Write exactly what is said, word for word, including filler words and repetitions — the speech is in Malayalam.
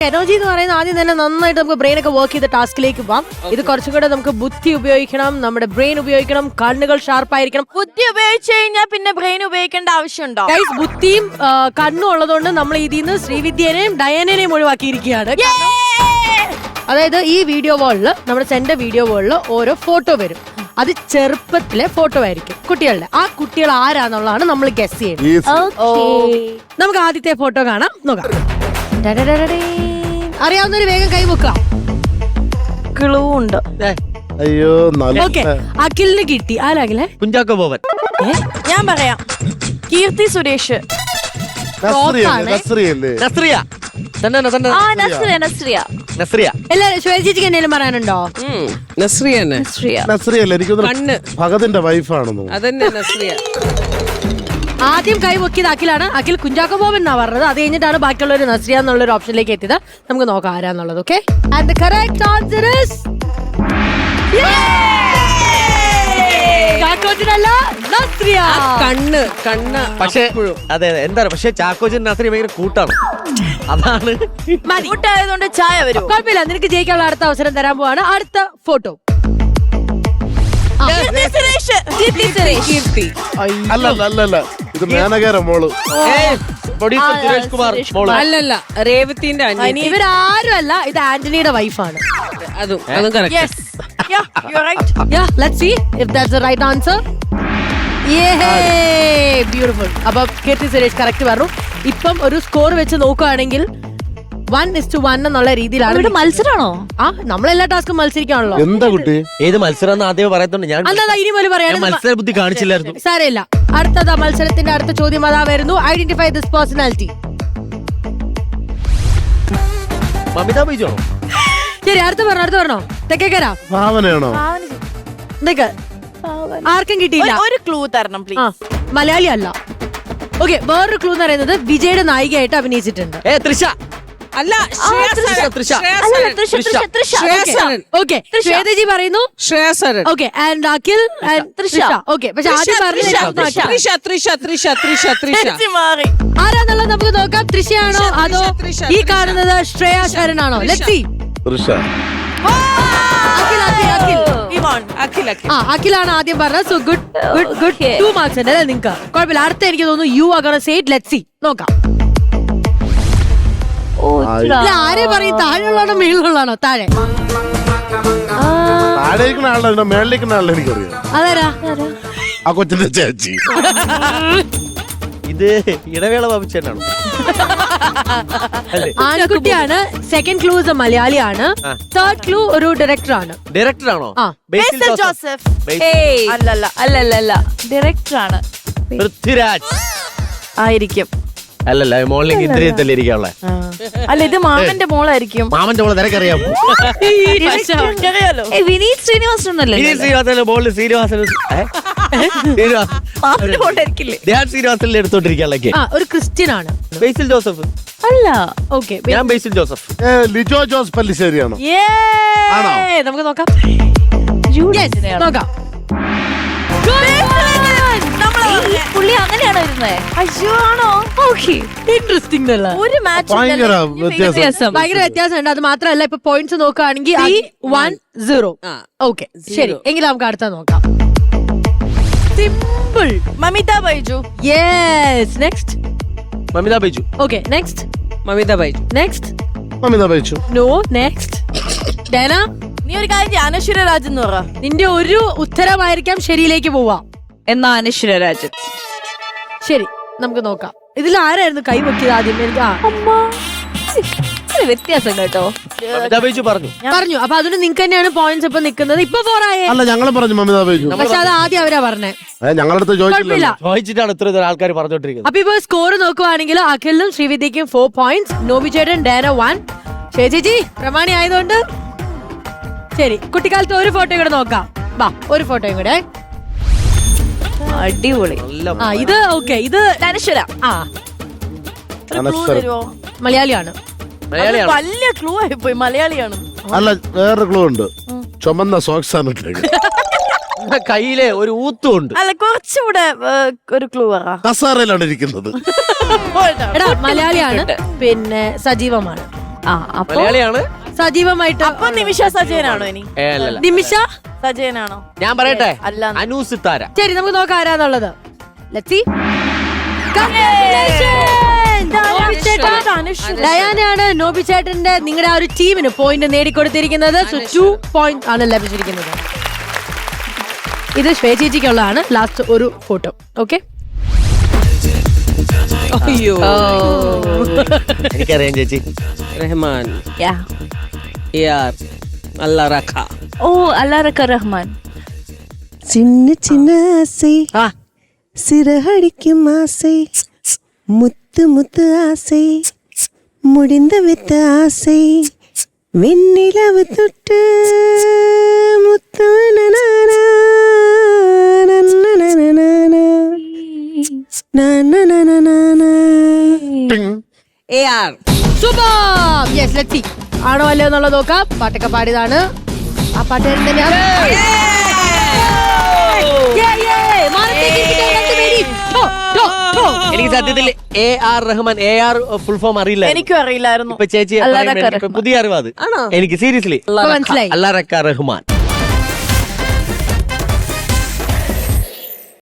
എനർജി എന്ന് പറയുന്നത് ആദ്യം തന്നെ നന്നായിട്ട് നമുക്ക് ബ്രെയിൻ ഒക്കെ വർക്ക് ചെയ്ത ടാസ്കിലേക്ക് പോവാം. ഇത് കുറച്ചും കൂടെ നമുക്ക് ബുദ്ധി ഉപയോഗിക്കണം, നമ്മുടെ ബ്രെയിൻ ഉപയോഗിക്കണം, കണ്ണുകൾ ഷാർപ്പായിരിക്കണം. ബുദ്ധി ഉപയോഗിച്ചു കഴിഞ്ഞാൽ പിന്നെ ബ്രെയിൻ ഉപയോഗിക്കേണ്ട ആവശ്യമുണ്ടോ? ഗൈസ്, ബുദ്ധിയും കണ്ണും ഉള്ളതുകൊണ്ട് നമ്മൾ ഇതിൽ നിന്ന് ശ്രീവിദ്യനെയും ഡയനനെയും ഒഴിവാക്കിയിരിക്കുകയാണ്. അതായത് ഈ വീഡിയോ വാളില്, നമ്മുടെ സെന്റർ വീഡിയോ വാളില് ഓരോ ഫോട്ടോ വരും. അത് ചെറുപ്പത്തിലെ ഫോട്ടോ ആയിരിക്കും കുട്ടികളുടെ. ആ കുട്ടികൾ ആരാന്നുള്ളതാണ് നമ്മൾ ഗസ് ചെയ്യുന്നത്. നമുക്ക് ആദ്യത്തെ ഫോട്ടോ കാണാം, നോക്കാം. അറിയാവുന്നൊരു വേഗം കൈ വെക്കാം. ക്ലൂ ഉണ്ട്. അയ്യോ, ഓക്കെ, അഖിലിന് കിട്ടി. ആരാകിലെ? കുഞ്ചാക്കോ ബോബൻ. ഞാൻ പറയാം, കീർത്തി സുരേഷ്. എല്ലാരും ശ്വേത ചേച്ചിക്ക് എന്തെങ്കിലും പറയാനുണ്ടോ? ഭഗതിന്റെ വൈഫാണെന്നോ? അതന്നെ നസ്രിയ. ആദ്യം കൈ പൊക്കിയത് അഖിലാണ്. അഖിൽ കുഞ്ചാക്കോ ബോബൻ എന്നാ പറഞ്ഞത്. അത് കഴിഞ്ഞിട്ടാണ് ബാക്കിയുള്ളവർ നസ്രിയ എന്നുള്ള ഒരു ഓപ്ഷനിലേക്ക് എത്തിയത്. നമുക്ക് നോക്കാം ആരാന്നുള്ളത്. Okay, and the correct answer is ചാക്കോച്ചനല്ല, നസ്രിയ. കണ്ണ് കണ്ണ് പക്ഷേ അതെ അതെ എന്താ പക്ഷെ ചാക്കോച്ചൻ നസ്രിയ ഭയങ്കര കൂട്ടാണ്. അതാണ് കൂട്ടായതുകൊണ്ട് ചായ വരും. കുഴപ്പമില്ല, നിനക്ക് ജയിക്കാനുള്ള അടുത്ത അവസരം തരാൻ പോവാണ്. അടുത്ത ഫോട്ടോ. കീർത്തി. അല്ല അല്ല അല്ല, ഇത് മേനകേര മോള്. പ്രൊഡ്യൂസർ സുരേഷ് കുമാർ മോള്. അല്ലല്ല, രേവതിന്റെ അനിയത്തി. ഇവരാരും അല്ല, ഇത് ആന്റണിയുടെ വൈഫാണ്. അതും അതും correct. Yes. Yeah, you're right. Yeah, let's see if that's the right answer. Yay! Beautiful. അപ്പൊ കീർത്തി സുരേഷ് കറക്റ്റ് പറഞ്ഞു. ഇപ്പം ഒരു സ്കോർ വെച്ച് നോക്കുകയാണെങ്കിൽ വൺ ഇസ് ടു വൺ എന്നുള്ള രീതിയിലാണ്. മത്സരമാണോ? ആ, നമ്മളെല്ലാ ടാസ്കും മത്സരിക്കാണല്ലോ. എന്താ കുട്ടി? ഏത് മത്സരം എന്ന് ആദ്യം പറയത്തോണ്ട് ഞാൻ അല്ലാതെ ഇനി പോലെ പറയാം. മത്സര ബുദ്ധി കാണിച്ചില്ലായിരുന്നു. സാരമില്ല. അടുത്തതാ മത്സരത്തിന്റെ അടുത്ത ചോദ്യം അതാ വരുന്നു. Identify this personality. Mamitha Baiju ആണോ? ശരി, അടുത്ത് പറഞ്ഞോ, അടുത്ത് പറഞ്ഞോ. തെക്കേക്കര ഭാവനയാണോ? എന്തൊക്കെ ആർക്കും കിട്ടിയില്ല. ഒരു ക്ലൂ തരണം ആ, പ്ലീസ്. മലയാളി അല്ല. ഓക്കെ, വേറൊരു ക്ലൂ എന്ന് പറയുന്നത് വിജയുടെ നായികയായിട്ട് അഭിനയിച്ചിട്ടുണ്ട്. ഏ തൃഷ. അല്ല, തൃഷ. ഓക്കെ, ശ്വേതജി പറയുന്നു Shreya Saran. Okay, and Akhil Trisha. Okay, പക്ഷെ ആദ്യം പറഞ്ഞത് തൃഷ തൃഷ തൃഷ തൃഷ തൃഷ. മാറി. ആരാന്നുള്ളത് നമുക്ക് നോക്കാം. തൃഷയാണോ അതോ ഈ കാണുന്നത് ശ്രേയ ശരൺ ആണോ? Let's see. തൃഷ. അഖിൽ അഖിൽ അഖിൽ അഖിൽ അഖിൽ. ആ, അഖിലാണ് ആദ്യം പറഞ്ഞത്. So good good good. Two marks ഉണ്ട് അല്ലേ നിങ്ങൾക്ക്? കുഴപ്പമില്ല. അടുത്ത എനിക്ക് തോന്നുന്നു you are gonna say it. Let's see. നോക്കാം. ഇല്ല, ആരെ പറയും? താഴെയുള്ളതാണോ മേളിലുള്ളതാണോ? താഴെ താഴേക്കുന്ന ആളല്ല, മേളിലേക്കുന്ന ആളെ എനിക്കറിയാം. അതാരാ? ആ കൊച്ചിന്റെ ചേച്ചി. ഇത് ഇടവേള ബാബുച്ചേനാണോ? ആൺകുട്ടിയാണ്. സെക്കൻഡ് ക്ലൂ ഇസ് മലയാളിയാണ്. തേർഡ് ക്ലൂ ഒരു ഡയറക്ടർ ആണ്. ഡയറക്ടർ ആണോ? ആ, ബേസിൽ ജോസഫ്. ബേസിൽ. അല്ലല്ല അല്ലല്ല അല്ല, ഡയറക്ടർ ആണ്. പൃഥ്വിരാജ് ആയിരിക്കും. അല്ലല്ല, മോളിലേക്ക് ഇന്ദ്രിയത്തല്ലേ ഇരിക്കാനുള്ള. അല്ല, ഇത് മാമന്റെ മോളായിരിക്കും. മാമന്റെ മോളെ നിനക്കറിയാമോ? അറിയാലോ. വിനീത് ശ്രീനിവാസൻ ശ്രീനിവാസന്റെ മോളിൽ ശ്രീനിവാസൻ ധ്യാൻ ശ്രീനിവാസനിൽ എടുത്തോണ്ടിരിക്കാനുള്ളൊക്കെ. ആ, ഒരു ക്രിസ്ത്യൻ ആണ്. ബേസിൽ ജോസഫ് അല്ല. ഓക്കെ, ഞാൻ ബേസിൽ ജോസഫ്. ഏ, ലിജോ ജോസ് പല്ലിശ്ശേരിയാണോ? ആണോ? നമുക്ക് നോക്കാം. Yes, നോക്കാം. പുള്ളി അങ്ങനെയാണോ ഇരുന്നേ? അയ്യോ, ആണോ? ഇൻട്രസ്റ്റിംഗ് അല്ല? ഒരു മാച്ച് ഭയങ്കര വ്യത്യാസം. ഭയങ്കര വ്യത്യാസമുണ്ട്. അത് മാത്രമല്ല, ഇപ്പൊ പോയിന്റ്സ് നോക്കുകയാണെങ്കിൽ വൺ സീറോ. ഓക്കെ, ശരി, എങ്കിലും നമുക്ക് അടുത്ത നോക്കാം. Simple. Mamitha Baiju. Yes, next. Mamitha Baiju. Okay, next. Mamitha Baiju. Next. Mamitha Baiju. No, next. Dena, നീ ഒരു കാര്യം ചെയ്യ്, അനശ്വര രാജ് എന്ന് പറ. നിന്റെ ഒരു ഉത്തരമായിരിക്കാം ശരിയിലേക്ക് പോവാ. എന്നാ അനശ്വര രാജൻ. ശരി, നമുക്ക് നോക്കാം. ഇതിൽ ആരായിരുന്നു കൈ വെക്കിയത് ആദ്യം? എനിക്ക് വ്യത്യാസം കേട്ടോ. മമിത ബൈജു പറഞ്ഞു പറഞ്ഞു. അപ്പൊ അതിന് നിങ്ങൾക്ക് തന്നെയാണ് പോയിന്റ്സ് ഇപ്പൊ നിൽക്കുന്നത്. ഇപ്പൊ ഫോറായേ. അല്ല, ഞങ്ങളും പറഞ്ഞു മമിത ബൈജു. പക്ഷെ അത് ആദ്യം അവരാ പറഞ്ഞേ. ഞങ്ങളടുത്ത് ചോദിച്ചില്ല. ചോദിച്ചിട്ടാണ് ഇത്ര ഇത്ര ആൾക്കാർ പറഞ്ഞോണ്ടിരിക്കുന്നത്. അപ്പൊ ഇപ്പൊ സ്കോർ നോക്കുവാണെങ്കിൽ അഖിലും ശ്രീവിദ്യക്കും ഫോർ പോയിന്റ്സ്, നോബി ചേട്ടൻ ഡേന വൺ. ചേച്ചി പ്രമാണി ആയതുകൊണ്ട് ശരി, കുട്ടിക്കാലത്ത് ഒരു ഫോട്ടോ കൂടെ നോക്കാം. വാ, ഒരു ഫോട്ടോയും കൂടെ. അടിപൊളി. ആ, ഇത് ഓക്കെ, ഇത് അനശ്വര. ആ, മലയാളിയാണ്. മലയാളിയാണ്. വലിയ ക്ലൂ ആയി പോയി. മലയാളിയാണ്. അല്ല, വേറൊരു ക്ലൂ ഉണ്ട്. ചുമന്ന സോക്സ് ആണ് ഇട്ടേക്ക്. കയ്യിലെ ഒരു ഊത്തുണ്ട്. അല്ല, കുറച്ചുകൂടെ ഒരു ക്ലൂ പറ. കസാറയിലാണ് ഇരിക്കുന്നത്. എടാ, മലയാളിയാണ്, പിന്നെ സജീവമാണ്. ആ അപ്പൊ മലയാളിയാണ്. സജീവമായിട്ട് അപ്പൊ നിമിഷ സജയനാണോ ഇനി? ഏ, അല്ലല്ല. നിമിഷ. സജയനാണോ? ഞാൻ പറയട്ടെ, അല്ല. അനു സിത്താര. ശരി, നമുക്ക് നോക്കാം ആരാന്നുള്ളത്. Let's see. Congratulations! നോബി ചേട്ടൻ. ഡയാനയാണ് നോബി ചേട്ടന്റെ നിങ്ങളുടെ ആ ഒരു ടീമിന് പോയിന്റ് നേടിക്കൊടുത്തിരിക്കുന്നത്. സോ ടു പോയിന്റ് ആണ് ലഭിച്ചിരിക്കുന്നത്. ഇത് ശ്വേ ചേച്ചിക്കുള്ളതാണ് ലാസ്റ്റ് ഒരു ഫോട്ടോ. ഓക്കെ, അയ്യോ എനിക്കറിയാം ചേച്ചി. റഹ്മാൻ യാ യാർ അല്ലാ റഖ. ഓ അല്ലാറക്ക റഹ്മാൻ. சின்ன சின்ன ஆசை ആ சிறகடிக்கும் ஆசை முத்து முத்து ஆசை முடிந்து வித்த ஆசை வெண்ணிலவு தொட்டு முத்து நனனா, நன்னனனனனா, நன்னனனனனா. A R super. Yes, let's see ആണോ അല്ലയോ എന്നുള്ളത് നോക്കാം. പാട്ടൊക്കെ പാടിയതാണ്. ആ പാട്ടുകാരൻ തന്നെയാണ്. Yeah, yeah. മാനത്തേക്ക് ഇരിക്കട്ടെ രണ്ടുപേരും. ഠോ, ഠോ, ഠോ. എനിക്ക് സത്യത്തിൽ A R Rahman, A R full form അറിയില്ല. എനിക്കും അറിയില്ലായിരുന്നു. ഇപ്പൊ ചേച്ചി അല്ലാ പറയുമ്പോ റക്ക എനിക്ക് റഹ്മാൻ. പുതിയ അറിവാ അത്. എനിക്ക് സീരിയസ്ലി ഇപ്പൊ മനസ്സിലായി. അല്ലാ റക്ക റഹ്മാൻ.